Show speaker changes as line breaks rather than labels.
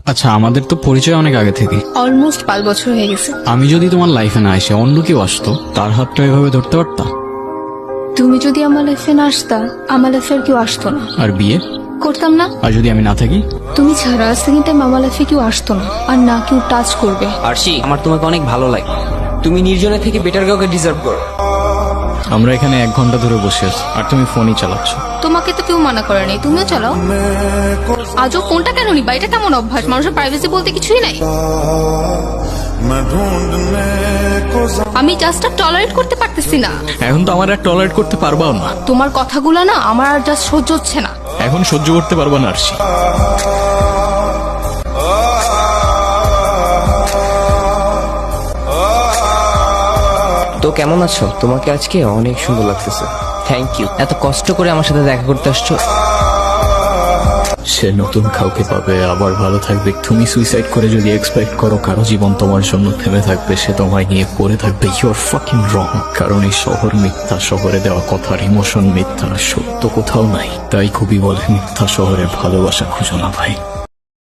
আচ্ছা, আমাদের তো পরিচয় অনেক আগে থেকে।
অলমোস্ট 5 বছর হয়ে গেছে।
আমি যদি তোমার লাইফে না এসে অন্য কেউ আসতো, তার হাতটা এভাবে ধরতে পারতাম?
তুমি যদি আমার লাইফে না আসতা, আমার লাইফে আর কেউ আসতো না।
আর বিয়ে?
করতাম না।
আর যদি আমি না থাকি?
তুমি ছাড়া সেকেন্ড টাইম আমার লাইফে কেউ আসতো না, আর না কেউ টাচ করবে।
আরশি, আমার তোমাকে অনেক ভালো লাগে। তুমি নির্জনে থেকে বেটার কাউকে ডিজার্ভ করো।
আমরা এখানে 1 ঘন্টা ধরে বসে আছি, আর তুমি ফোনই চালাচ্ছ।
তোমাকে তো কেউ মানা করেনি, তুমিও চালাও। আজও ফোনটা কেন নিবা? এটা কেমন অভ্যাস? মানুষের প্রাইভেসি বলতে কিছুই নাই। আমি জাস্ট আর টলারেট করতে পারতেছি না।
এখন তো আমার আর টলারেট করতে পারবাও না।
তোমার কথাগুলো না আমার আর জাস্ট সহ্য হচ্ছে না।
এখন সহ্য করতে পারবা না আরশি।
তো কেমন আছো? তোমাকে আজকে অনেক সুন্দর লাগতেছে। থ্যাংক ইউ, এত কষ্ট করে আমার সাথে দেখা করতে আসছো।
সে নতুন কাউকে পাবে, আবার ভালো থাকবে। তুমি সুইসাইড করে যদি এক্সপেক্ট করো কারো জীবন তোমার জন্য থেমে থাকবে, সে তোমায় নিয়ে পড়ে থাকবে, ইউ আর ফাকিং রং। কারণ এই শহর মিথ্যা, শহরে দেওয়া কথার ইমোশন মিথ্যা, সত্য কোথাও নাই। তাই খুবই বলে, মিথ্যা শহরে ভালোবাসা খুঁজো না ভাই।